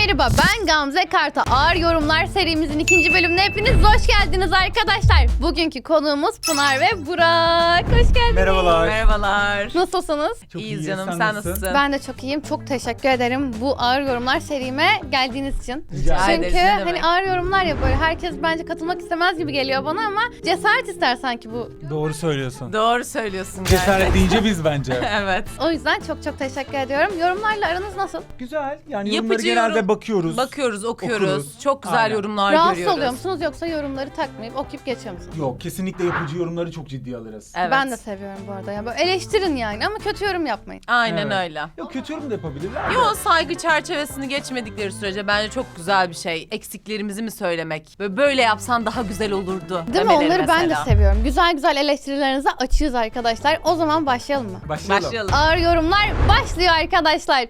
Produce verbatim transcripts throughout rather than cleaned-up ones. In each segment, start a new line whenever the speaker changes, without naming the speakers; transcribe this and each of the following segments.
Merhaba, ben Gamze Karta. Ağır Yorumlar serimizin ikinci bölümüne hepiniz hoş geldiniz arkadaşlar. Bugünkü konuğumuz Pınar ve Burak. Hoş geldiniz.
Merhabalar.
Merhabalar.
Nasılsınız?
Çok
İyiyiz
iyi,
canım,
sen
sen
nasılsın?
nasılsın?
Ben de çok iyiyim. Çok teşekkür ederim bu Ağır Yorumlar serime geldiğiniz için.
Rica
Çünkü
ederiz, ne
hani
demek.
ağır yorumlar ya böyle herkes bence katılmak istemez gibi geliyor bana ama cesaret ister sanki bu.
Doğru söylüyorsun.
Doğru söylüyorsun.
Cesaret deyince biz bence.
Evet.
O yüzden çok çok teşekkür ediyorum. Yorumlarla aranız nasıl?
Güzel. Yani yorumları
Yapıcı
genelde
yorum-
bakıyoruz.
Bakıyoruz, okuyoruz.
Okuruz.
Çok güzel
Aynen.
yorumlar
Rahatsız
görüyoruz.
oluyor musunuz yoksa yorumları takmayıp okuyup geçiyor musunuz?
Yok, kesinlikle yapıcı yorumları çok ciddiye alırız.
Evet.
Ben de seviyorum bu arada. Yani böyle eleştirin yani ama kötü yorum yapmayın.
Aynen
Evet.
öyle.
Yok, kötü yorum da yapabilirler.
Yo, saygı çerçevesini geçmedikleri sürece bence çok güzel bir şey. Eksiklerimizi mi söylemek? Böyle, böyle yapsan daha güzel olurdu.
Değil mi?
demeleri
Onları ben de
mesela.
seviyorum. Güzel güzel eleştirilerinize açığız arkadaşlar. O zaman başlayalım mı?
Başlayalım.
Başlayalım.
Ağır yorumlar başlıyor arkadaşlar.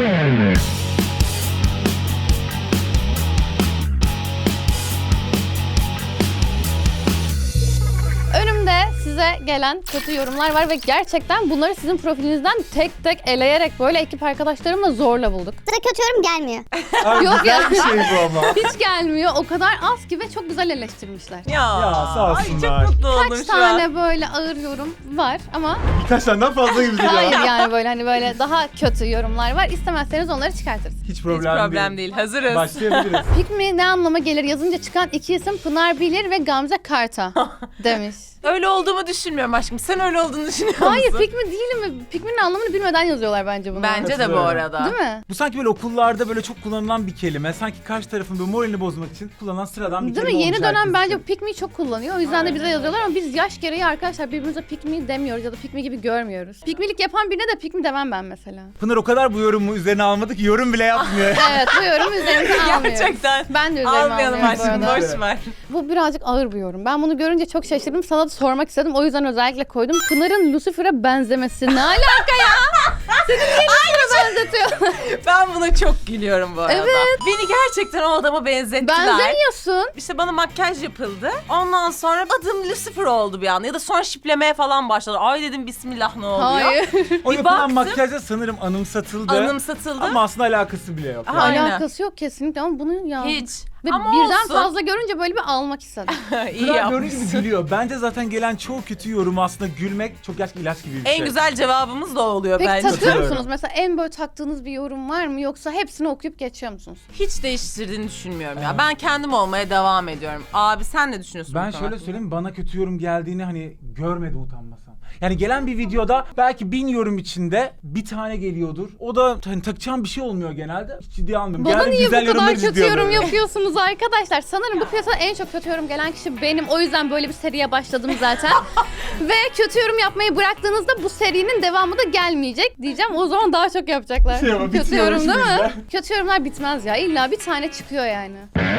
Önümde size gelen kötü yorumlar var ve gerçekten bunları sizin profilinizden tek tek eleyerek böyle ekip arkadaşlarımla zorla bulduk.
Sıra kötü yorum gelmiyor.
Abi,
Yok
güzel
ya.
bir şey bu ama.
Hiç gelmiyor. O kadar az ki ve çok güzel eleştirmişler.
Ya,
Ya, sağ
ay
olsunlar.
çok mutlu oldum
Kaç
şu
tane
an.
böyle ağır yorum var ama
Birkaç taneden fazla gibi
hayır
geliyor.
yani böyle hani böyle daha kötü yorumlar var. İstemezseniz onları çıkartırız.
Hiç
Hiç
problem,
problem değil. Hazırız.
Başlayabiliriz.
Pick me ne anlama gelir yazınca çıkan iki isim Pınar Bilir ve Gamze Karta demiş.
Öyle olduğumu düşünmüyorum aşkım. Sen öyle olduğunu düşünüyor musun?
Hayır pick me değil mi? Pick me'nin anlamını bilmeden yazıyorlar bence bunu.
Bence de bu
Katılıyorum.
arada.
Değil mi?
Bu sanki böyle okullarda böyle çok kullanılan bir kelime. Sanki karşı tarafın böyle moralini bozmak için kullanılan sıradan bir
Değil mi?
kelime
Yeni
olmuş
dönem
herkes
bence
için.
pick me'yi çok kullanıyor. O yüzden de
Aynen.
bize yazıyorlar ama biz yaş gereği arkadaşlar birbirimize pick me demiyoruz ya da pick me gibi görmüyoruz. Pick me'lik yapan birine de pick me demem ben mesela.
Pınar o kadar bu yorumu üzerine almadı ki yorum bile yapmıyor.
Evet bu yorumu üzerimize almıyoruz.
Gerçekten.
Ben de üzerime
Almayalım
almıyorum bu
aşkım.
arada.
Boş ver.
Bu birazcık ağır bir yorum. Ben bunu görünce çok şaşırdım. Sana da sormak istedim. O yüzden özellikle koydum. Pınar'ın Lucifer'e benzemesi ne alaka ya? Seni niye Lucifer'e benzetiyor?
Ben buna çok gülüyorum bu arada.
Evet.
Beni gerçekten o adama benzettiler.
Benzemiyorsun.
İşte bana makyaj yapıldı. Ondan sonra adım Lucifer oldu bir anda. Ya da sonra şiplemeye falan başladı. Ay dedim bismillah ne oluyor?
Hayır.
O
Bir
yapılan
baktım.
makyajda sanırım anımsatıldı.
Anımsatıldı.
Ama aslında alakası bile yok.
Aha. Aynen.
Alakası yok kesinlikle ama bunu ya.
Hiç.
Ve
Ama
birden
olsun.
fazla görünce böyle bir almak istedim.
İyi
Pınar gördüğün gibi
yapmışsın.
gülüyor. Bence zaten gelen çoğu kötü yorum aslında gülmek çok gerçekten ilaç gibi bir şey.
En güzel cevabımız da o oluyor
Peki
bence.
takıyor
Katılıyorum.
musunuz? Mesela en böyle taktığınız bir yorum var mı? Yoksa hepsini okuyup geçiyor musunuz?
Hiç değiştirdiğini düşünmüyorum ya.
Evet.
Ben kendim olmaya devam ediyorum. Abi sen ne düşünüyorsun?
Ben
bu konu
şöyle
hakkında?
söyleyeyim, bana kötü yorum geldiğini hani görmedim utanmasam. Yani gelen bir videoda belki bin yorum içinde bir tane geliyordur. O da hani takacağım bir şey olmuyor genelde. Hiç ciddiye almıyorum.
Bana
Genelde
niye
güzel
bu kadar
yorumları
kötü
ciddiye
yorum
alıyorum.
yapıyorsunuz arkadaşlar? Sanırım bu piyasada en çok kötü yorum gelen kişi benim. O yüzden böyle bir seriye başladım zaten. Ve kötü yorum yapmayı bıraktığınızda bu serinin devamı da gelmeyecek diyeceğim. O zaman daha çok yapacaklar.
Şey ama
kötü
bitiyor
yorum değil mi?
işimizde.
Kötü yorumlar bitmez ya. İlla bir tane çıkıyor yani.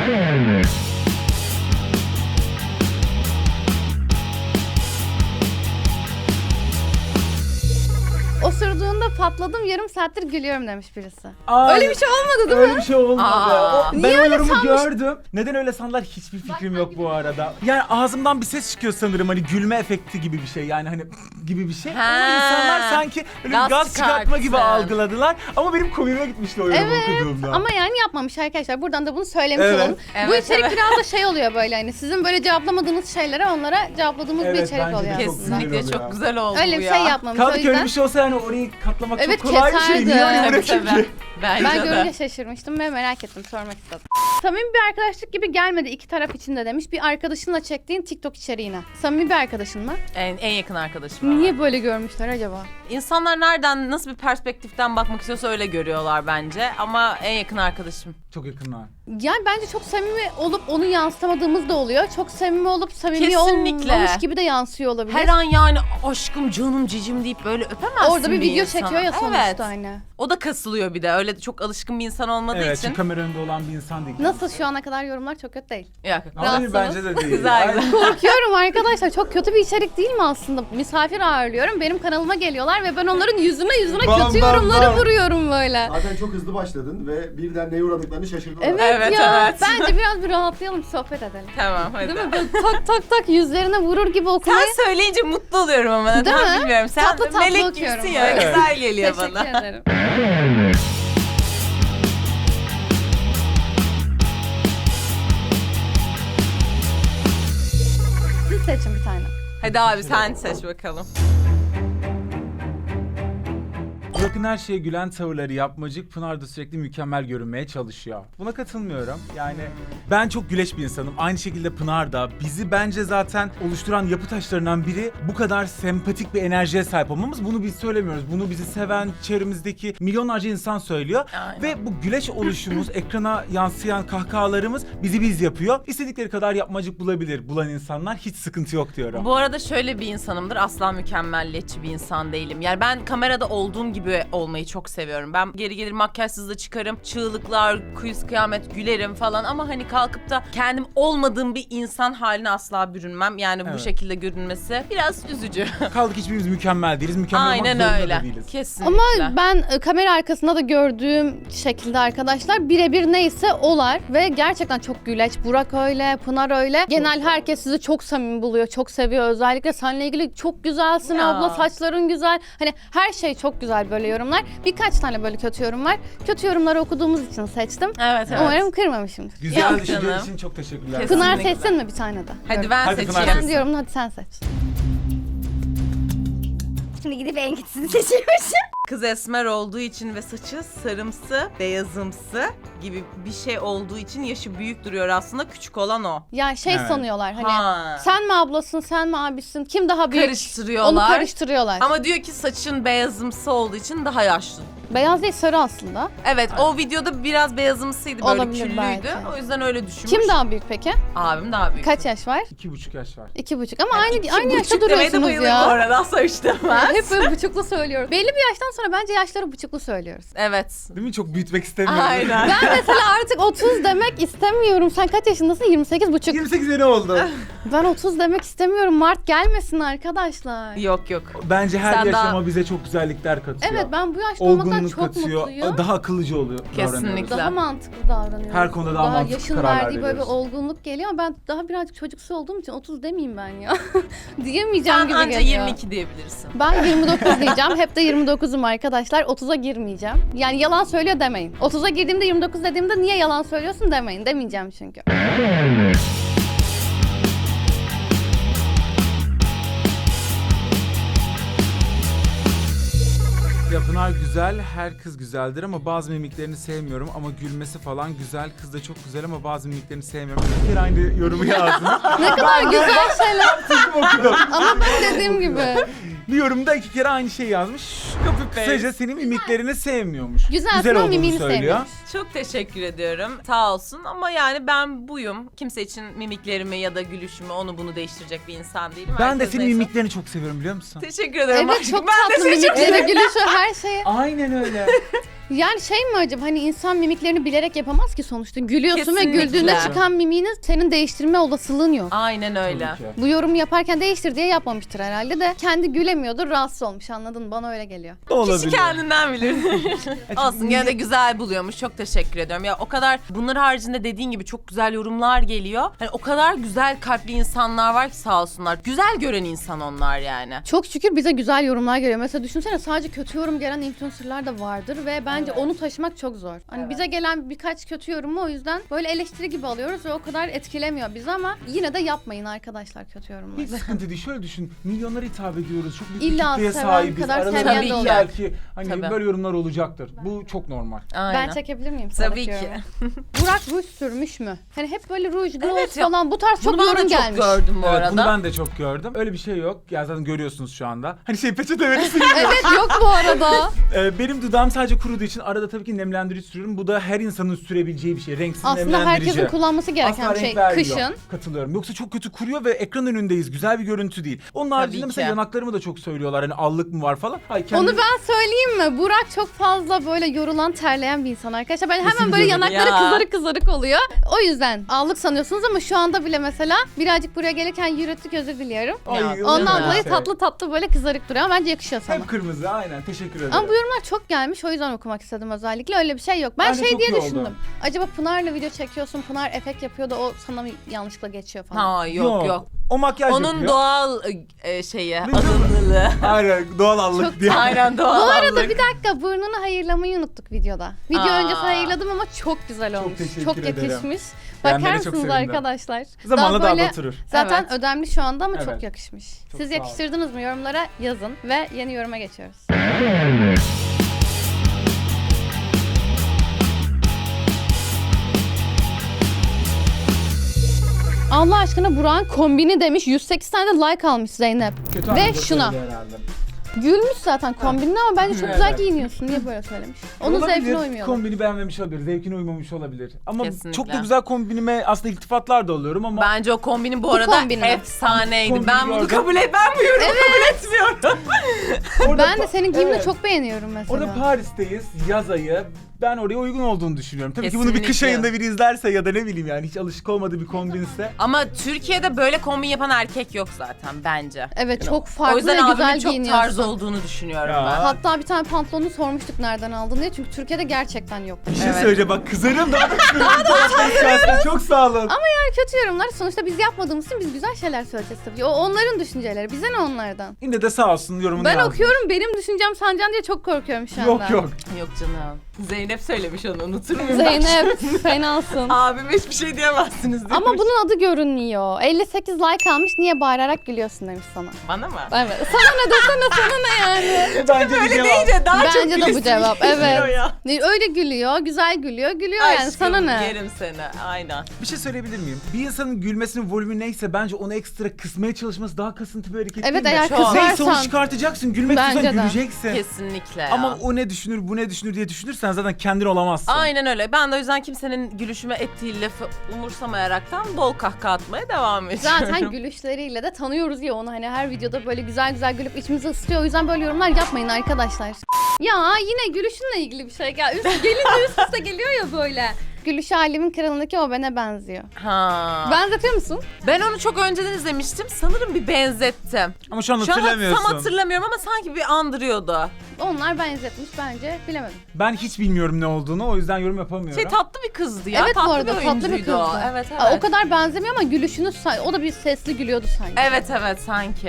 Osurduğunda patladım yarım saattir gülüyorum demiş birisi.
Aa,
Öyle bir şey olmadı değil
Öyle
mi?
bir şey olmadı.
Aa.
O- ben
Niye
o
öyle
yorumu
sanmış-
gördüm. Neden öyle sandılar hiçbir fikrim yok bu arada. Yani ağzımdan bir ses çıkıyor sanırım, hani gülme efekti gibi bir şey, yani hani gibi bir şey. Ama
Ha.
insanlar sanki öyle
Gaz
bir gaz çıkartma gibi
çıkarttı.
algıladılar. Ama benim komiğime gitmişti o yorumu
Evet
okuduğumda.
ama yani yapmamış arkadaşlar. Buradan da bunu söylemiş
Evet.
olalım. Bu
Evet,
içerik
evet.
biraz da şey oluyor böyle hani sizin böyle cevaplamadığınız şeylere onlara cevapladığımız bir
Evet,
içerik
bence de
oluyor
çok
aslında.
güzel
Kesinlikle
oluyor.
çok güzel oldu
Öyle
bu
bir
ya.
şey yapmamış o
Kaldı ki öyle
yüzden.
bir şey olsa yani orayı katlamak
Evet,
çok kolay bir şey.
keserdi.
Niye öyle
Tabii,
bırakayım
tabii.
ki?
Bence
Ben
de.
görünce şaşırmıştım ve merak ettim, sormak istedim. Samimi bir arkadaşlık gibi gelmedi iki taraf için de demiş. Bir arkadaşınla çektiğin TikTok içeriğine. Samimi bir arkadaşın mı?
En, en yakın arkadaşım.
Niye böyle görmüşler acaba?
İnsanlar nereden, nasıl bir perspektiften bakmak istiyorsa öyle görüyorlar bence. Ama en yakın arkadaşım.
Çok yakınlar.
Yani bence çok samimi olup onu yansıtamadığımız da oluyor. Çok samimi olup samimi
Kesinlikle.
olmamış gibi de yansıyor olabilir.
Her an yani aşkım canım cicim deyip böyle öpemezsin
Orada bir video
insana.
çekiyor ya sonuçta
Evet.
hani.
O da kasılıyor bir de. Öyle çok alışkın bir insan olmadığı
Evet,
için.
çünkü kamera önünde olan bir insan değil.
Nasıl şu ana kadar yorumlar çok kötü değil.
Yok.
Ama
Rahatsınız.
bence de değil.
Güzel,
Aynen.
güzel.
Korkuyorum arkadaşlar. Çok kötü bir içerik değil mi aslında? Misafir ağırlıyorum. Benim kanalıma geliyorlar ve ben onların yüzüne yüzüne
Bam,
kötü
bam,
yorumları
bam.
vuruyorum böyle.
Zaten çok hızlı başladın ve birden neye uğradıklarını şaşırdılar.
Evet,
Evet,
ya.
evet.
Bence biraz bir rahatlayalım, sohbet edelim.
Tamam hadi.
Değil mi? Böyle tak tak tak yüzlerine vurur gibi okumayı.
Sen söyleyince mutlu oluyorum ama.
Değil
Neden
mi?
bilmiyorum. Sen
Tatlı tatlı
melek
okuyorum
gibisin ya.
böyle.
Güzel geliyor
Teşekkür
bana.
ederim.
Hadi abi sen seç bakalım.
Burak'ın her şeye gülen tavırları yapmacık, Pınar da sürekli mükemmel görünmeye çalışıyor. Buna katılmıyorum. Yani ben çok güleç bir insanım. Aynı şekilde Pınar da. Bizi bence zaten oluşturan yapı taşlarından biri bu kadar sempatik bir enerjiye sahip olmamız. Bunu biz söylemiyoruz. Bunu bizi seven çevremizdeki milyonlarca insan söylüyor.
Aynen.
Ve bu güleç oluşumuz, ekrana yansıyan kahkahalarımız bizi biz yapıyor. İstedikleri kadar yapmacık bulabilir bulan insanlar. Hiç sıkıntı yok diyorum.
Bu arada şöyle bir insanımdır. Asla mükemmelliyetçi bir insan değilim. Yani ben kamerada olduğum gibi olmayı çok seviyorum. Ben geri gelir makyajsız da çıkarım. Çığlıklar, kuyuz kıyamet gülerim falan ama hani kalkıp da kendim olmadığım bir insan haline asla bürünmem. Yani bu
Evet.
şekilde görünmesi biraz üzücü.
Kaldık hiçbirimiz mükemmel değiliz. Mükemmel olmak
Aynen
zorunda da
öyle.
değiliz.
Kesinlikle.
Ama ben e, kamera arkasında da gördüğüm şekilde arkadaşlar birebir neyse olar ve gerçekten çok güleç. Burak öyle, Pınar öyle. Genel herkes sizi çok samimi buluyor, çok seviyor. Özellikle seninle ilgili çok güzelsin
Ya.
abla, saçların güzel. Hani her şey çok güzel böyle yorumlar. Birkaç tane böyle kötü yorum var. Kötü yorumları okuduğumuz için seçtim.
Evet evet.
Umarım kırmamışımdır.
Güzel
Yok
düşündüğün
canım.
için çok teşekkürler.
Kesin.
Pınar
Kesinlikle.
seçsin mi bir tane de?
Hadi
Yorum.
ben
Hadi Pınar
seçeyim.
Ben diyorum hadi sen seç.
Şimdi gidip en kötüsünü seçiyormuşum.
Kız esmer olduğu için ve saçı sarımsı, beyazımsı gibi bir şey olduğu için yaşı büyük duruyor aslında. Küçük olan o.
Ya şey
Evet.
sanıyorlar hani
Ha.
sen mi ablasın, sen mi abisin, kim daha büyük?
Karıştırıyorlar.
Onu karıştırıyorlar.
Ama diyor ki saçın beyazımsı olduğu için daha yaşlı.
Beyaz değil sarı aslında.
Evet, o videoda biraz beyazımsıydı, böyle
Olabilir
küllüydü.
belki.
O yüzden öyle düşünmüş.
Kim daha büyük peki?
Abim daha büyük.
Kaç yaş var?
İki buçuk yaş var.
İki buçuk ama
Yani
aynı
iki
aynı yaşta
buçuk demeye de
duruyorsunuz
bayılır
ya.
bu arada, asla üç demez.
Hep böyle buçuklu söylüyoruz. Belli bir yaştan sonra bence yaşları buçuklu söylüyoruz.
Evet.
Değil mi? Çok büyütmek istemiyorum.
Aynen.
Ben mesela artık otuz demek istemiyorum. Sen kaç yaşındasın? yirmi sekiz buçuk.
yirmi sekiz sene oldu.
Ben otuz demek istemiyorum. Mart gelmesin arkadaşlar.
Yok yok.
Bence her
Sen
yaşama
daha-
bize çok güzellikler katıyor.
Evet ben bu yaşta olmaktan
Olgunluk
çok
katıyor.
mutluyum.
Daha akıllıcı oluyor.
Kesinlikle.
davranıyoruz.
Daha mantıklı davranıyorum.
Her konuda daha mantıklı
yaşın
kararlar
verdiği böyle bir
veriyoruz.
olgunluk geliyor ama ben daha birazcık çocuksu olduğum için otuz demeyeyim ben ya. Diyemeyeceğim
Sen
gibi
anca
geliyor.
yirmi iki diyebilirsin.
Ben yirmi dokuz diyeceğim. Hep de yirmi dokuzum arkadaşlar. otuza girmeyeceğim. Yani yalan söylüyor demeyin. otuza girdiğimde yirmi dokuz dediğimde niye yalan söylüyorsun demeyin. Demeyeceğim çünkü.
Ya Pınar güzel, her kız güzeldir ama bazı mimiklerini sevmiyorum ama gülmesi falan güzel. Kız da çok güzel ama bazı mimiklerini sevmiyorum. Bir kere aynı yorumu yazdım.
Ne kadar güzel şeyler.
okudum.
Ama ben dediğim gibi.
Bir yorumda iki kere aynı şey yazmış. Kısaca senin mimiklerini sevmiyormuş.
Güzelsin
güzel
ama
olduğunu
mimini
söylüyor.
sevmiyormuş.
Çok teşekkür ediyorum. Sağ olsun ama yani ben buyum. Kimse için mimiklerimi ya da gülüşümü onu bunu değiştirecek bir insan değilim.
Ben de
Herkes
senin
neyse.
mimiklerini çok seviyorum biliyor musun?
Teşekkür ederim.
Evet
aşkım.
çok
ben de
tatlı
teşekkür
mimikleri, gülüşü, her şeyi.
Aynen öyle.
Yani şey mi acaba hani insan mimiklerini bilerek yapamaz ki sonuçta. Gülüyorsun
Kesinlikle.
ve güldüğünde çıkan mimiğini senin değiştirme olasılığın yok.
Aynen öyle.
Tabii ki.
Bu yorumu yaparken değiştir diye yapmamıştır herhalde de kendi gülemiyordur, rahatsız olmuş, anladın mı? Bana öyle geliyor.
Olabilir.
Kişi kendinden bilir. Olsun gene de güzel buluyormuş. Çok teşekkür ediyorum. Ya o kadar bunlar haricinde dediğin gibi çok güzel yorumlar geliyor. Hani o kadar güzel kalpli insanlar var ki sağ olsunlar. Güzel gören insan onlar yani.
Çok şükür bize güzel yorumlar geliyor. Mesela düşünsene sadece kötü yorum gelen influencerlar da vardır ve bence onu taşımak çok zor. Hani bize gelen birkaç kötü yorumu o yüzden böyle eleştiri gibi alıyoruz ve o kadar etkilemiyor bizi ama yine de yapmayın arkadaşlar kötü yorumları.
Hiç sıkıntı değil. Şöyle düşün. Milyonlara hitap ediyoruz. Çok büyük
İlla
bir kitleye
seven
sahibiz.
kadar
Aralarında
sevmeyen
de
belki
olur.
belki hani
Tabii.
böyle yorumlar olacaktır. Bu çok normal.
Aynen.
Ben çekebilir miyim?
Tabii
sıradaki
ki.
yorumu? Burak ruj sürmüş mü? Hani hep böyle ruj, gloss
Evet ya.
falan bu tarz çok
Bunu ben
yorum
de çok
gelmiş.
gördüm bu
Evet,
arada.
bunu ben de çok gördüm. Öyle bir şey yok. Ya zaten görüyorsunuz şu anda. Hani şey peçete verirsin gibi.
Evet yok bu arada.
Ee, benim dudağım sadece kuruduğu için arada tabii ki nemlendirici sürüyorum. Bu da her insanın sürebileceği bir şey. Renksiz
Aslında
nemlendirici.
herkesin kullanması gereken
Asla
bir şey
renk vermiyor.
kışın.
Katılıyorum. Yoksa çok kötü kuruyor ve ekran önündeyiz. Güzel bir görüntü değil. Onun haricinde
ki.
mesela yanaklarımı da çok söylüyorlar. Hani allık mı var falan. Hayır, kendi...
Onu ben söyleyeyim mi? Burak çok fazla böyle yorulan, terleyen bir insan arkadaşlar. Ben hemen
Kesin
böyle
diyorum.
yanakları
Ya.
kızarık kızarık oluyor. O yüzden allık sanıyorsunuz ama şu anda bile mesela birazcık buraya gelirken yürüttük, özür diliyorum.
Ay,
Ya,
olur mu
Ondan
öyle
dolayı
şey?
tatlı tatlı böyle kızarık duruyor ama bence yakışıyor sana.
Hep kırmızı aynen. Teşekkür ederim.
Ama bu yorumlar çok gelmiş o yüzden okumak istedim özellikle. Öyle bir şey yok. Ben
Bence
şey
çok
diye
iyi oldu.
düşündüm. Acaba Pınar'la video çekiyorsun, Pınar efekt yapıyor da o sana mı yanlışlıkla geçiyor falan.
Ha yok yok.
O makyaj
Onun
yapıyor.
doğal e, şeyi,
Değil mi?
alımlılığı.
Aynen doğal allık
Çok
diye.
Aynen doğal
Bu arada
allık.
bir dakika burnunu hayırlamayı unuttuk videoda. Video
Aa.
öncesi hayırladım ama çok güzel
Çok
olmuş.
teşekkür
Çok
ederim.
yakışmış.
Beğenmene
Bakar
çok
mısınız
sevindim.
arkadaşlar?
Zamanla daha
böyle
da oturur.
zaten
Evet.
ödemli şu anda ama
Evet.
çok yakışmış.
Çok
Siz
sağ ol.
yakıştırdınız mı? Yorumlara yazın ve yeni yoruma geçiyoruz. Allah aşkına Burak'ın kombini demiş. yüz sekiz tane de like almış Zeynep.
Kötü
Ve
anlamda
şuna.
söyledi herhalde.
Gülmüş zaten kombinine ama bence çok güzel
Evet.
giyiniyorsun. Niye böyle söylemiş? Onun
Olabilir,
zevkine uymuyor.
Kombini beğenmemiş olabilir, zevkine uymamış olabilir. Ama
Kesinlikle.
çok da güzel kombinime aslında iltifatlar da alıyorum ama
Bence o kombinin bu,
Bu
arada
kombin mi?
efsaneydi.
Kombini
Ben bunu
gördüm.
kabul et, ben bu yorumu kabul etmiyorum.
orada
Ben de
pa-
senin giyimini
Evet.
çok beğeniyorum mesela.
Orada Paris'teyiz, yaz ayı. Ben oraya uygun olduğunu düşünüyorum. Tabii ki bunu bir kış
Kesinlikle.
ayında biri izlerse ya da ne bileyim yani hiç alışık olmadığı bir kombinse.
Ama Türkiye'de böyle kombin yapan erkek yok zaten bence.
Evet çok
O
farklı
yüzden
ve güzel
abimin çok
giyiniyorsun.
tarz olduğunu düşünüyorum
Ya.
ben.
Hatta bir tane pantolonu sormuştuk nereden aldın diye. Çünkü Türkiye'de gerçekten yok.
Bir şey
Evet.
söyleyeceğim bak kızarım daha da kızarım. Çok sağ olun.
Ama yani kötü yorumlar sonuçta biz yapmadığımız için biz güzel şeyler söyleyeceğiz tabii. O onların düşünceleri. Bize ne onlardan?
Yine de sağ olsun yorumunu
Ben
yazmış.
okuyorum benim düşüncem Sancan diye çok korkuyorum şu anda.
Yok yok.
Yok canım. Zeynep söylemiş onu, unutur muyum?
Zeynep fenasın.
Abime hiçbir şey diyemezsiniz demiş.
Ama bunun adı görünmüyor. elli sekiz like almış niye bağırarak gülüyorsun demiş sana.
Bana mı?
Evet. Sana ne desene sana ne yani.
Bence
Böyle
bir cevap.
deyince daha çok
Bence de bu
gülesim
cevap.
geliyor
Evet.
ya.
Öyle gülüyor, güzel gülüyor, gülüyor yani
Aşkım,
sana ne?
yerim seni. Aynen.
Bir şey söyleyebilir miyim? Bir insanın gülmesinin volümü neyse bence onu ekstra kısmaya çalışması daha kasıntı bir hareket
Evet
değil mi?
eğer
Çok.
Neyse onu
kızarsan.
çıkartacaksın. Gülmek
Bence
istiyorsan
de.
güleceksin.
Kesinlikle ya.
Ama o ne düşünür, bu ne düşünür diye düşünürsen zaten kendin olamazsın.
Aynen öyle. Ben de o yüzden kimsenin gülüşüme ettiği lafı umursamayaraktan bol kahkaha atmaya devam ediyorum.
Zaten gülüşleriyle de tanıyoruz ya onu hani her videoda böyle güzel güzel gülüp içimizi ısıtıyor. O yüzden böyle yorumlar yapmayın arkadaşlar. Ya yine gülüşünle ilgili bir şey gel. Üst, gelince üst üste geliyor ya böyle. Gülüş Alemin Kralı'ndaki o bana benziyor.
Ha.
Benzetiyor musun?
Ben onu çok önceden izlemiştim. Sanırım bir benzettim.
Ama şu an
Şu an
hatırlamıyorsun.
tam hatırlamıyorum ama sanki bir andırıyordu.
Onlar benzetmiş bence bilemedim.
Ben hiç bilmiyorum ne olduğunu o yüzden yorum yapamıyorum.
Şey tatlı bir kızdı ya.
evet
tatlı
bu arada
bir
tatlı bir
oyuncuydu
kızdı.
o. Evet evet.
Aa, o kadar benzemiyor ama gülüşünü sa- o da bir sesli gülüyordu sanki.
Evet evet sanki.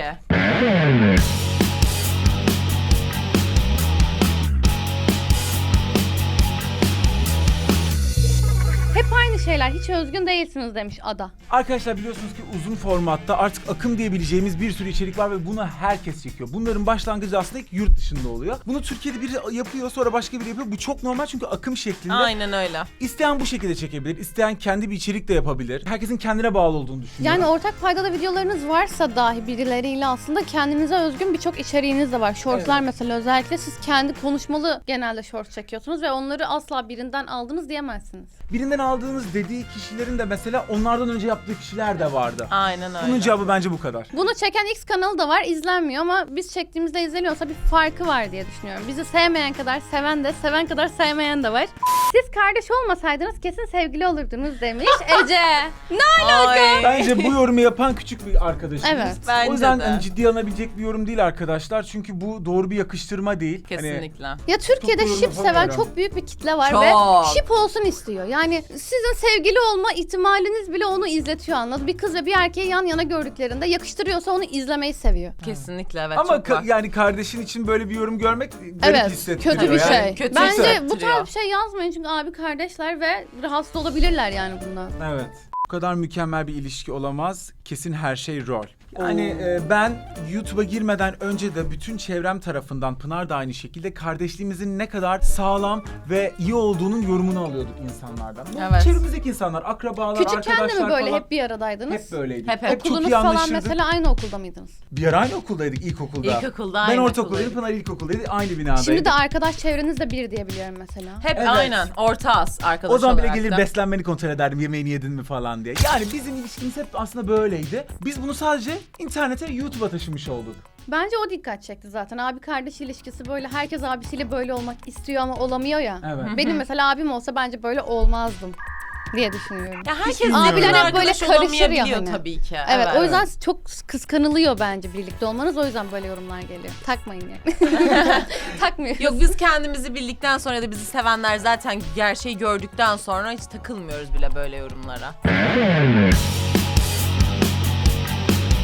Hep aynı şeyler hiç özgün değilsiniz demiş Ada.
Arkadaşlar biliyorsunuz ki uzun formatta artık akım diyebileceğimiz bir sürü içerik var ve bunu herkes çekiyor. Bunların başlangıcı aslında ilk yurt dışında oluyor. Bunu Türkiye'de biri yapıyor sonra başka biri yapıyor. Bu çok normal çünkü akım şeklinde.
Aynen öyle.
İsteyen bu şekilde çekebilir, isteyen kendi bir içerik de yapabilir. Herkesin kendine bağlı olduğunu düşünüyorum.
Yani ortak faydalı videolarınız varsa dahi birileriyle aslında kendinize özgün birçok içeriğiniz de var. Shortslar
Evet.
mesela özellikle siz kendi konuşmalı genelde shorts çekiyorsunuz ve onları asla birinden aldınız diyemezsiniz.
Birinden aldığınız dediği kişilerin de mesela onlardan önce yaptığı kişiler de vardı.
Aynen öyle.
Bunun cevabı bence bu kadar.
Bunu çeken X kanalı da var, izlenmiyor ama biz çektiğimizde izleniyorsa bir farkı var diye düşünüyorum. Bizi sevmeyen kadar seven de, seven kadar sevmeyen de var. Siz kardeş olmasaydınız kesin sevgili olurdunuz demiş Ece. Ne
Ay.
Bence bu yorumu yapan küçük bir arkadaşımız.
Evet.
Bence
O yüzden
de.
hani ciddiye alınabilecek bir yorum değil arkadaşlar. Çünkü bu doğru bir yakıştırma değil. Hani
Kesinlikle.
Ya Türkiye'de
Çok yorum
şip seven
yapamıyorum.
çok büyük bir kitle var
Çok.
ve şip olsun istiyor. Yani sizin sevgili olma ihtimaliniz bile onu izletiyor anladın. Bir kız ve bir erkeği yan yana gördüklerinde yakıştırıyorsa onu izlemeyi seviyor.
Kesinlikle evet.
ama
çok
ka-
var.
yani kardeşin için böyle bir yorum görmek garip
Evet,
hissettiriyor.
kötü bir
yani.
şey.
kötü
Bence bu
hissettiriyor.
tarz bir şey yazmayın çünkü abi kardeşler ve rahatsız olabilirler yani bundan.
Evet. Bu kadar mükemmel bir ilişki olamaz. Kesin her şey rol. Yani e, ben YouTube'a girmeden önce de bütün çevrem tarafından Pınar da aynı şekilde kardeşliğimizin ne kadar sağlam ve iyi olduğunun yorumunu alıyorduk insanlardan. Bu
Evet.
çevremizdeki insanlar, akrabalar,
Küçükken de
arkadaşlar
mi böyle
falan.
hep bir aradaydınız?
Hep böyleydik.
Hep, hep.
çok
Okulunuz
iyi
falan
anlaşırdık.
mesela aynı okulda mıydınız?
Bir ara aynı okuldaydık ilkokulda.
İlkokulda
Ben
aynı
ortaokuldaydım,
okuldaydık.
Pınar ilkokuldaydı. Aynı binadaydık.
Şimdi de arkadaş çevreniz de bir diye biliyorum mesela.
Hep
Evet.
aynen. Orta as arkadaş
O zaman bile
olarak
gelir
da.
beslenmeni kontrol ederdim, yemeğini yedin mi falan diye. Yani bizim ilişkimiz hep aslında böyleydi. Biz bunu sadece internete, YouTube'a taşımış olduk.
Bence o dikkat çekti zaten. Abi kardeş ilişkisi böyle herkes abisiyle böyle olmak istiyor ama olamıyor ya.
Evet.
Benim mesela abim olsa bence böyle olmazdım diye düşünüyorum.
Ya herkes
bilmiyorum.
birbirine
Abiler hep böyle
arkadaş
karışır ya
olamayabiliyor
hani.
tabii ki.
Evet, o yüzden çok kıskanılıyor bence birlikte olmanız. O yüzden böyle yorumlar geliyor. Takmayın yani. Takmıyoruz.
Yok biz kendimizi bildikten sonra da bizi sevenler zaten gerçeği gördükten sonra hiç takılmıyoruz bile böyle yorumlara.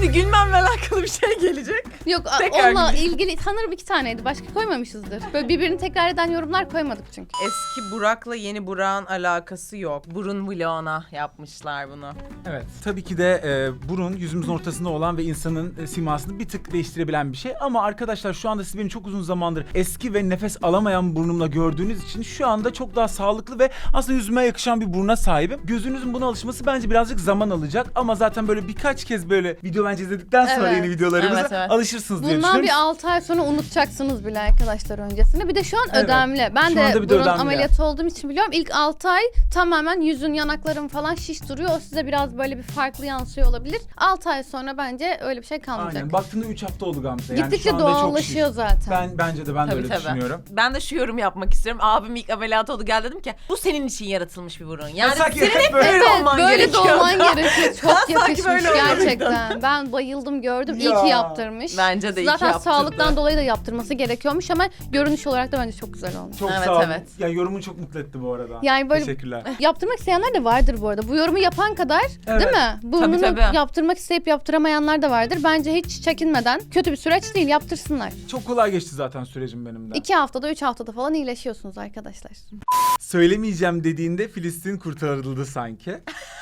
Şimdi gülmemle alakalı bir şey gelecek.
Yok a-
Tekrar
onunla
güleyim.
ilgili sanırım iki taneydi. Başka koymamışızdır. Böyle birbirini tekrar eden yorumlar koymadık çünkü.
Eski Burak'la yeni Burak'ın alakası yok. Burun vloguna yapmışlar bunu.
Evet. Tabii ki de e, burun yüzümüzün ortasında olan ve insanın e, simasını bir tık değiştirebilen bir şey. Ama arkadaşlar şu anda siz beni çok uzun zamandır eski ve nefes alamayan burnumla gördüğünüz için şu anda çok daha sağlıklı ve aslında yüzüme yakışan bir buruna sahibim. Gözünüzün buna alışması bence birazcık zaman alacak ama zaten böyle birkaç kez böyle video bence izledikten sonra
Evet.
yeni videolarımıza
Evet, evet.
alışırsınız diye
Bundan
düşünüyorum.
bir altı ay sonra unutacaksınız bile arkadaşlar öncesini. Bir de şu an
Evet.
ödemli. Ben
Şu
de
anda bir de
burun
ödemli.
ameliyatı olduğum için biliyorum. İlk altı ay tamamen yüzün, yanakların falan şiş duruyor. O size biraz böyle bir farklı yansıyor olabilir. altı ay sonra bence öyle bir şey kalmayacak.
Aynen. Baktığında üç hafta oldu Gamze. Yani
Gittikçe
şu anda çok
doğallaşıyor
şiş.
zaten.
Ben bence de ben de
Tabii
öyle
tabii.
düşünüyorum.
Ben de şu yorum yapmak istiyorum. Abim ilk ameliyat oldu, gel dedim ki bu senin için yaratılmış bir burun. Yani
sanki
senin
hep
hep
böyle-
böyle
Evet,
olman
böyle
gerekiyor.
doğman gerekiyor. Çok
Sanki
yakışmış
böyle olmalıydı.
gerçekten. Ben bayıldım, gördüm. İyi
Ya.
ki yaptırmış.
Bence de iyi ki
Zaten
yaptırdı.
sağlıktan dolayı da yaptırması gerekiyormuş ama görünüş olarak da bence çok güzel olmuş.
Çok
Evet,
sağ olun.
evet.
Ya yorumun çok mutlu etti bu arada.
Yani böyle
Teşekkürler.
yaptırmak isteyenler de vardır bu arada. Bu yorumu yapan kadar
Evet.
değil mi? Burnunu
Tabii, tabii.
yaptırmak isteyip yaptıramayanlar da vardır. Bence hiç çekinmeden kötü bir süreç değil, yaptırsınlar.
Çok kolay geçti zaten sürecim benim de.
İki haftada, üç haftada falan iyileşiyorsunuz arkadaşlar.
Söylemeyeceğim dediğinde Filistin kurtarıldı sanki.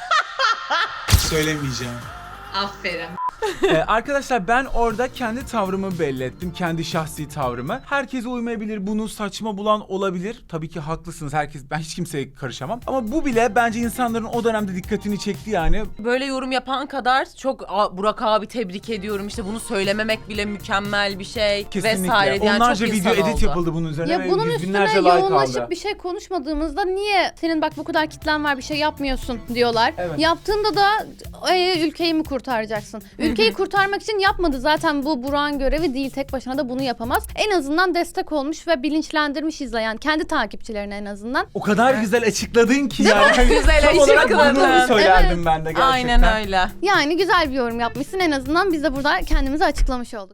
Söylemeyeceğim.
Aferin.
Ee, arkadaşlar ben orada kendi tavrımı belli ettim. Kendi şahsi tavrımı. Herkese uymayabilir. Bunu saçma bulan olabilir. Tabii ki haklısınız. Herkes, ben hiç kimseye karışamam. Ama bu bile bence insanların o dönemde dikkatini çekti yani.
Böyle yorum yapan kadar çok "Aa, Burak abi tebrik ediyorum, işte bunu söylememek bile mükemmel bir şey
Kesinlikle.
vesaire. Yani
Onlarca
çok
video
insan
edit
oldu.
yapıldı bunun üzerine
Ya
ve
bunun
yüz
üstüne
binlerce like
yoğunlaşıp
aldı.
bir şey konuşmadığımızda niye senin bak bu kadar kitlen var bir şey yapmıyorsun diyorlar.
Evet.
Yaptığında da "Ee, ülkeyi mi kurtaracaksın? Ülkeyi kurtarmak için yapmadı. Zaten bu Burak'ın görevi değil. Tek başına da bunu yapamaz. En azından destek olmuş ve bilinçlendirmiş izleyen kendi takipçilerine en azından.
O kadar güzel açıkladın ki yani. Hani
Güzel
tam olarak
açıkladın.
bunu söylerdim
Evet.
ben de gerçekten.
Aynen öyle.
Yani güzel bir yorum yapmışsın. En azından biz de burada kendimizi açıklamış olduk.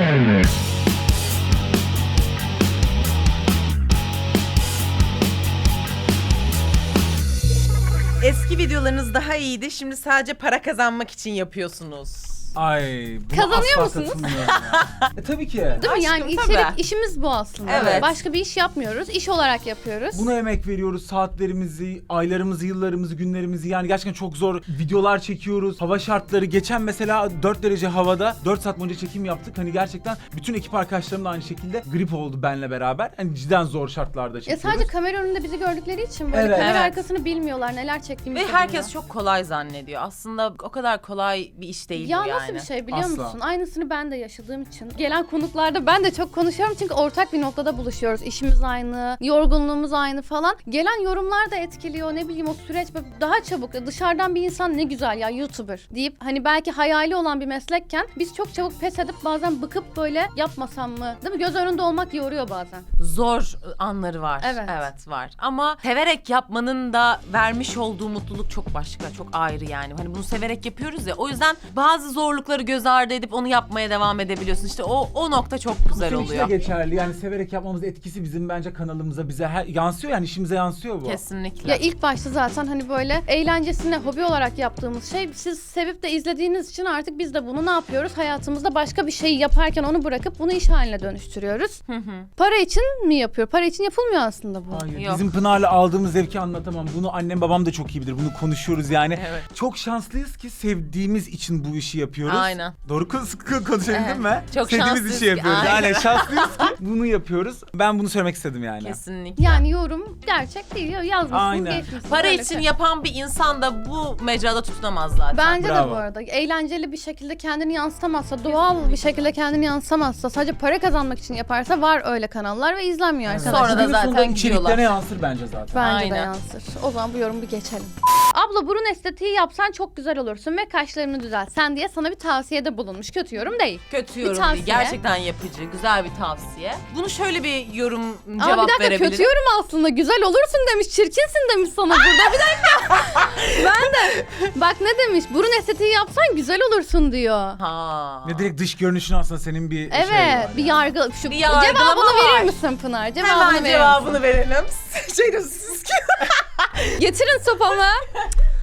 Eski videolarınız daha iyiydi. Şimdi sadece para kazanmak için yapıyorsunuz.
Ay, buna
Kazanıyor
asla
musunuz?
katılmıyorum ya. E, tabii ki.
Değil mi?
Aşkım,
Yani
tabii.
içerik işimiz bu aslında.
Evet.
Başka bir iş yapmıyoruz. İş olarak yapıyoruz.
Buna emek veriyoruz, saatlerimizi, aylarımızı, yıllarımızı, günlerimizi, yani gerçekten çok zor videolar çekiyoruz. Hava şartları, geçen mesela dört derece havada dört saat boyunca çekim yaptık. Hani gerçekten bütün ekip arkadaşlarım da aynı şekilde grip oldu benle beraber. Hani cidden zor şartlarda
Ya
çekiyoruz.
sadece kamera önünde bizi gördükleri için böyle
Evet.
kamera
Evet.
arkasını bilmiyorlar, neler çektiğimizi
Ve
de
herkes
bilmiyor.
çok kolay zannediyor. Aslında o kadar kolay bir iş değil
Ya
bu yani.
nasıl bir şey biliyor
Asla.
musun? Aynısını ben de yaşadığım için. Gelen konuklarda ben de çok konuşuyorum çünkü ortak bir noktada buluşuyoruz. İşimiz aynı, yorgunluğumuz aynı falan. Gelen yorumlar da etkiliyor. Ne bileyim o süreç böyle daha çabuk. Dışarıdan bir insan ne güzel ya YouTuber deyip hani belki hayali olan bir meslekken biz çok çabuk pes edip bazen bıkıp böyle yapmasam mı? Değil mi? Göz önünde olmak yoruyor bazen.
Zor anları var.
Evet.
Evet var. Ama severek yapmanın da vermiş olduğu mutluluk çok başka, çok ayrı yani. Hani bunu severek yapıyoruz ya. O yüzden bazı zorlukları göz ardı edip onu yapmaya devam edebiliyorsun. İşte o o nokta çok güzel
Bütün işte
oluyor.
geçerli. Yani severek yapmamız etkisi bizim bence kanalımıza, bize her, yansıyor yani, işimize yansıyor bu.
Kesinlikle.
Ya ilk başta zaten hani böyle eğlencesine, hobi olarak yaptığımız şey, siz sevip de izlediğiniz için artık biz de bunu ne yapıyoruz? Hayatımızda başka bir şey yaparken onu bırakıp bunu iş haline dönüştürüyoruz.
Hı hı.
Para için mi yapıyor? Para için yapılmıyor aslında bu.
Hayır,
Yok.
bizim Pınar'la aldığımız zevki anlatamam. Bunu annem babam da çok iyi bilir. Bunu konuşuyoruz yani.
Evet.
Çok şanslıyız ki sevdiğimiz için bu işi yapıyoruz.
Aynen.
Doğru konuş konuşabildin
Evet.
mi?
Çok
Sevdiğimiz
şanslıyız
işi
ki,
yapıyoruz.
aynen.
Aynen şanslıyız ki bunu yapıyoruz. Ben bunu söylemek istedim yani.
Kesinlikle.
Yani yorum gerçek değil. Yazmışsınız,
Aynen.
geçmişsiniz.
Para
Öyle
için
şey.
yapan bir insan da bu mecrada tutunamaz zaten.
Bence de
Bravo.
bu arada. Eğlenceli bir şekilde kendini yansıtamazsa, doğal bir şekilde kendini yansıtamazsa, sadece para kazanmak için yaparsa var öyle kanallar ve izlenmiyor
Evet.
arkadaşlar.
Sonra da
Günün sonunda
zaten
içeriklerine
gidiyorlar.
yansır bence zaten.
Bence de
Aynen.
yansır. O zaman bu yorumu bir geçelim. Abla burun estetiği yapsan çok güzel olursun ve kaşlarını düzeltsen diye sana bir tavsiyede bulunmuş. Kötü yorum değil.
Kötü
Bir
yorum
tavsiye.
değil. Gerçekten yapıcı, güzel bir tavsiye. Bunu şöyle bir yorum
Ama
cevap
bir dakika
verebilirim.
kötü yorum aslında. Güzel olursun demiş, çirkinsin demiş sana burada. Bir dakika. Ben de bak ne demiş? Burun estetiği yapsan güzel olursun diyor.
Ha.
Ne direkt dış görünüşün aslında senin bir
Evet,
şey var
bir
yani.
yargı. Şu
Bir yargılama
cevabını
var.
verir misin Pınar? Cevabını
Hemen
verir
cevabını
misin?
verelim. Şey diyorsunuz ki.
Getirin sopamı.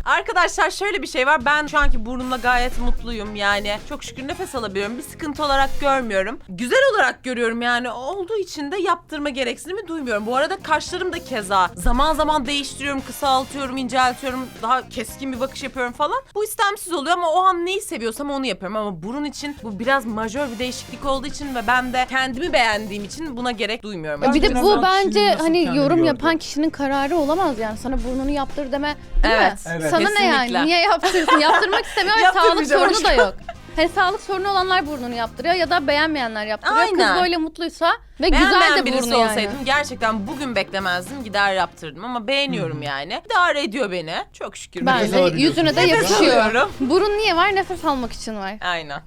Arkadaşlar şöyle bir şey var. Ben şu anki burnumla gayet mutluyum. Yani çok şükür nefes alabiliyorum. Bir sıkıntı olarak görmüyorum. Güzel olarak görüyorum yani. Olduğu için de yaptırma gereksinimi duymuyorum. Bu arada kaşlarım da keza. Zaman zaman değiştiriyorum, kısaltıyorum, inceltiyorum. Daha keskin bir bakış yapıyorum falan. Bu istemsiz oluyor ama o an neyi seviyorsam onu yapıyorum. Ama burun için bu biraz majör bir değişiklik olduğu için ve ben de kendimi beğendiğim için buna gerek duymuyorum.
Bir de
biraz
bu
daha
bence
kişinin nasıl
hani
kendini
yorum
gördüğü.
yapan kişinin kararı olamaz yani. Sana burnunu yaptır deme, değil
Evet,
mi?
evet.
Sana ne yani?
Kesinlikle.
Niye yaptırsın? Yaptırmak istemiyor ve sağlık
Yaptırmayacağım
sorunu da yok. Hani sağlık sorunu olanlar burnunu yaptırıyor ya da beğenmeyenler yaptırıyor.
Aynen.
Kız böyle mutluysa ve güzel
Beğenmeyen
de
birisi
burnu yani.
olsaydım gerçekten bugün beklemezdim, gider yaptırdım ama beğeniyorum yani. İdare ediyor beni. Çok şükür.
Bence
alabiliyorsun.
yüzüne de
Nefes
yakışıyor.
alıyorum.
Burun niye var? Nefes almak için var.
Aynen.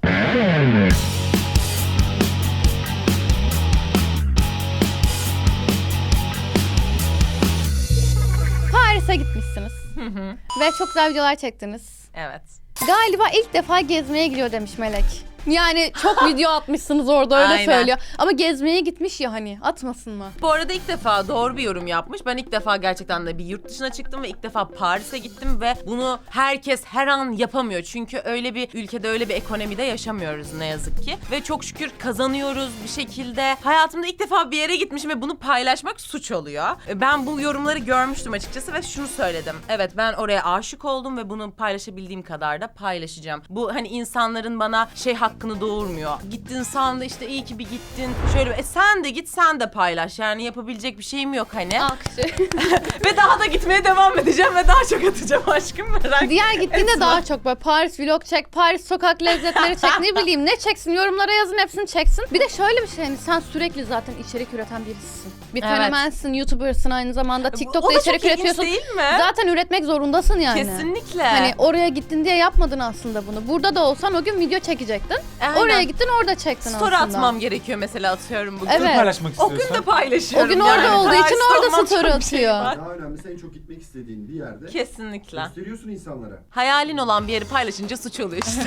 Paris'e gitmişsiniz. Ve çok güzel videolar çektiniz.
Evet.
Galiba ilk defa gezmeye gidiyor demiş Melek. Yani çok video atmışsınız orada öyle
Aynen.
söylüyor. Ama gezmeye gitmiş ya hani atmasın mı?
Bu arada ilk defa doğru bir yorum yapmış. Ben ilk defa gerçekten de bir yurt dışına çıktım ve ilk defa Paris'e gittim ve bunu herkes her an yapamıyor. Çünkü öyle bir ülkede, öyle bir ekonomide yaşamıyoruz ne yazık ki. Ve çok şükür kazanıyoruz bir şekilde. Hayatımda ilk defa bir yere gitmişim ve bunu paylaşmak suç oluyor. Ben bu yorumları görmüştüm açıkçası ve şunu söyledim. Evet, ben oraya aşık oldum ve bunu paylaşabildiğim kadar da paylaşacağım. Bu hani insanların bana şey hakkını doğurmuyor. Gittin sen de işte iyi ki bir gittin. Şöyle e sen de git, sen de paylaş. Yani yapabilecek bir şeyim yok hani.
Alkışı.
Ve daha da gitmeye devam edeceğim ve daha çok atacağım aşkım, merak.
Diğer gittiğinde
Esma.
daha çok böyle Paris vlog çek, Paris sokak lezzetleri çek, ne bileyim ne çeksin, yorumlara yazın hepsini çeksin. Bir de şöyle bir şey, hani sen sürekli zaten içerik üreten birisisin. Bir
Evet.
fenomensin, YouTuber'sın aynı zamanda,
O
TikTok'ta
da
içerik
çok ilginç
üretiyorsun.
değil mi?
Zaten üretmek zorundasın yani.
Kesinlikle.
Hani oraya gittin diye yapmadın aslında bunu. Burada da olsan o gün video çekecektin.
Aynen.
Oraya gittin orada çektin
Story
aslında.
atmam gerekiyor mesela, atıyorum bugün.
Evet.
paylaşmak
O
istiyorsan.
gün de paylaşıyorum.
O gün orada olduğu için
Paris'te
orada
olmam
story
çok bir şey
atıyor.
var.
Daha önemlisi en çok gitmek istediğin bir yerde
Kesinlikle.
gösteriyorsun insanlara.
Hayalin olan bir yeri paylaşınca suç oluyor işte.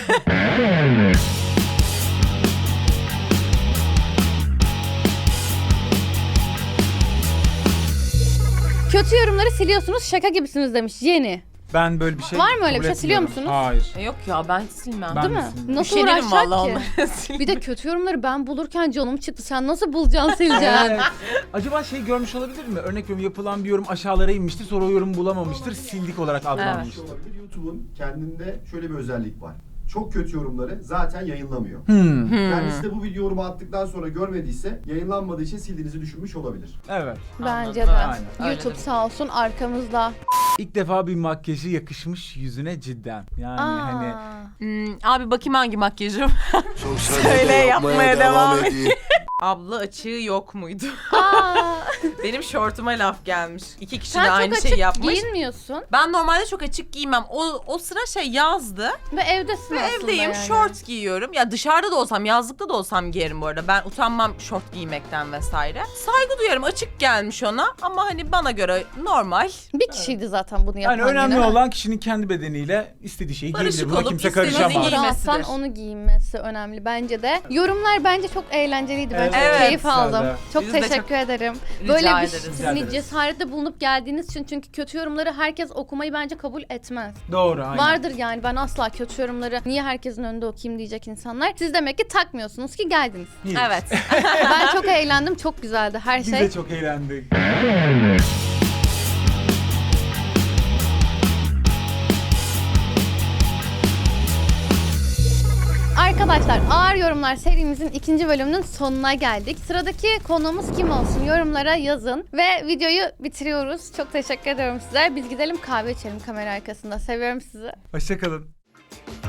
Kötü yorumları siliyorsunuz, şaka gibisiniz demiş Yeni.
Ben böyle bir şey
Var mı öyle
kabul
bir şey? Siliyor
etmiyorum.
musunuz?
Hayır.
Yok ya, ben silmem.
Ben
Değil
de
mi?
silmiyorum.
Nasıl
Üşenirim
uğraşacak
vallahi
ki?
onları.
Bir de kötü yorumları ben bulurken canım çıktı. Sen nasıl bulacaksın, sileceksin?
Evet. Acaba şey görmüş olabilir mi? Örnek veriyorum, yapılan bir yorum aşağılara inmiştir, sonra o yorumu bulamamıştır, sildik olarak
Bir
adlanmıştır.
şey olabilir. YouTube'un kendinde şöyle bir özellik var. Çok kötü yorumları zaten yayınlamıyor.
Hmm.
Kendisi de bu video yorumu attıktan sonra görmediyse yayınlanmadığı için sildiğinizi düşünmüş olabilir.
Evet.
Bence
Anladım.
de.
Aynen.
YouTube
Öyledir.
sağ olsun arkamızda.
İlk defa bir makyajı yakışmış yüzüne cidden. Yani hani
Aa.
Hmm, abi bakayım hangi makyajım.
Çok
Söyle, yapmaya devam et.
edeyim.
Abla açığı yok muydu?
Aa.
Benim şortuma laf gelmiş. İki kişi
Sen
de aynı
çok
şeyi
açık
yapmış.
giyinmiyorsun
Ben normalde çok açık giymem. O, o sıra şey yazdı.
ve evdesin
Ve
aslında
evdeyim,
yani.
short giyiyorum. Ya dışarıda da olsam, yazlıkta da olsam giyerim bu arada. Ben utanmam short giymekten vesaire. Saygı duyarım. Açık gelmiş ona ama hani bana göre normal.
Bir kişiydi zaten bunu yapan.
yani önemli
yine.
olan kişinin kendi bedeniyle istediği şeyi
Barışık
giyebilir. Buna
olup
kimse
istediğini
karışamaz.
giy-
Rahatsan
giymesidir.
onu giyinmesi önemli bence de. Yorumlar bence çok eğlenceliydi. Ben
Evet.
çok
Evet.
keyif aldım.
Güzeldi.
Çok
Biz de
teşekkür
çok
ederim.
rica
Böyle bir
ederiz.
sizin
Rica ederiz.
cesarette bulunup geldiğiniz için, çünkü kötü yorumları herkes okumayı bence kabul etmez.
Doğru, aynen.
Vardır yani, ben asla kötü yorumları niye herkesin önünde okuyayım diyecek insanlar. Siz demek ki takmıyorsunuz ki geldiniz.
İyi.
Evet.
Ben çok eğlendim, çok güzeldi her
Biz
şey.
de çok eğlendik.
Arkadaşlar, Ağır Yorumlar serimizin ikinci bölümünün sonuna geldik. Sıradaki konuğumuz kim olsun yorumlara yazın. Ve videoyu bitiriyoruz. Çok teşekkür ediyorum size. Biz gidelim kahve içelim kamera arkasında. Seviyorum sizi.
Hoşçakalın.